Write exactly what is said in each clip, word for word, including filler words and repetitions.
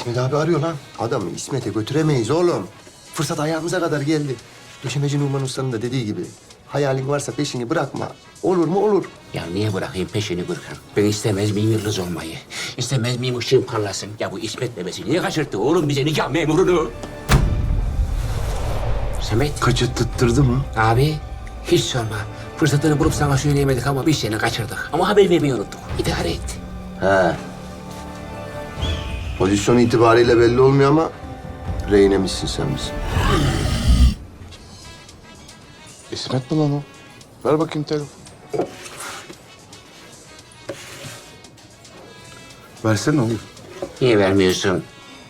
İsmet abi arıyor lan. Adamı İsmet'e götüremeyiz oğlum. Fırsat ayağımıza kadar geldi. Döşemeci Numan Usta'nın da dediği gibi. Hayalin varsa peşini bırakma. Olur mu olur. Ya niye bırakayım peşini Gürkan? Ben istemez miyim yıldız olmayı? İstemez miyim ışığım parlasın? Ya bu İsmet bebesi niye kaçırttı oğlum bize nikah memurunu? Samet. Kaçırttırdı mı? Abi hiç sorma. Fırsatını bulup sana söyleyemedik ama biz seni kaçırdık. Ama haber vermeyi unuttuk. İdare et. He. Pozisyon itibariyle belli olmuyor ama rehinemişsin sen bizim. İsmet mi lan o? Ver bakayım telefon. Versene oğlum. Niye vermiyorsun?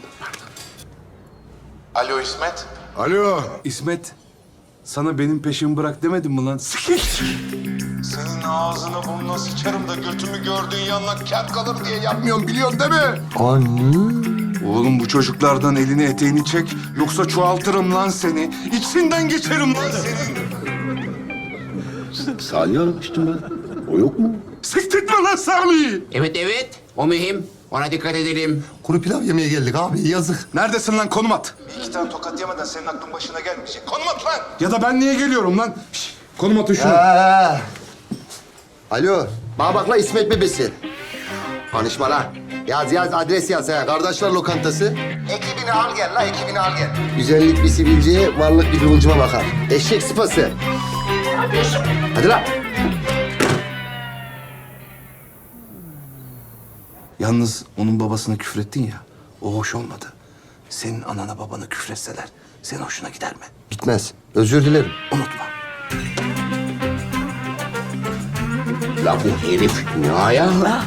Alo İsmet. Alo İsmet. Sana benim peşimi bırak demedim mi lan? Sıkış. Senin ağzına burnuna sıçarım da götümü gördüğün yanına kâr kalır diye yapmıyorum biliyorsun değil mi? Anne. Oğlum bu çocuklardan elini eteğini çek. Yoksa çoğaltırım lan seni. İçinden geçerim lan senin. Salih aramıştım ben. O yok mu? Siktirtme lan Salih'i. Evet evet. O mühim. Ona dikkat edelim. Kuru pilav yemeye geldik abi yazık. Neredesin lan konum at. Bir iki tane tokat yemeden senin aklın başına gelmeyecek. Konum at lan! Ya da ben niye geliyorum lan? Şş, konum atın şunu. Ha. Alo. Bana bak la İsmet bebesi. Konuşma la. Yaz yaz adres yaz ha. Kardeşler lokantası. Ekibini al gel la ekibini al gel. Güzellik bir sivilceye, varlık bir kıvılcıma bakar. Eşek sıpası. Hadi la. Yalnız onun babasına küfrettin ya. O hoş olmadı. Senin anana babana küfretseler senin hoşuna gider mi? Gitmez. Özür dilerim. Unutma. La bu herif ne ayağı la?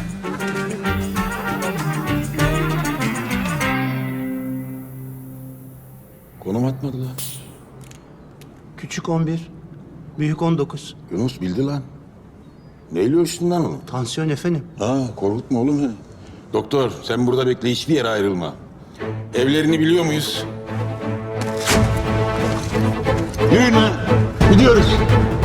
Konum atmadı lan. Küçük on bir, büyük on dokuz. Yunus bildi lan. Neyle ölçtün lan onu? Tansiyon efendim. Ha korkutma oğlum ya. Doktor sen burada bekle hiçbir yere ayrılma. Evlerini biliyor muyuz? Yürüyün lan. Gidiyoruz.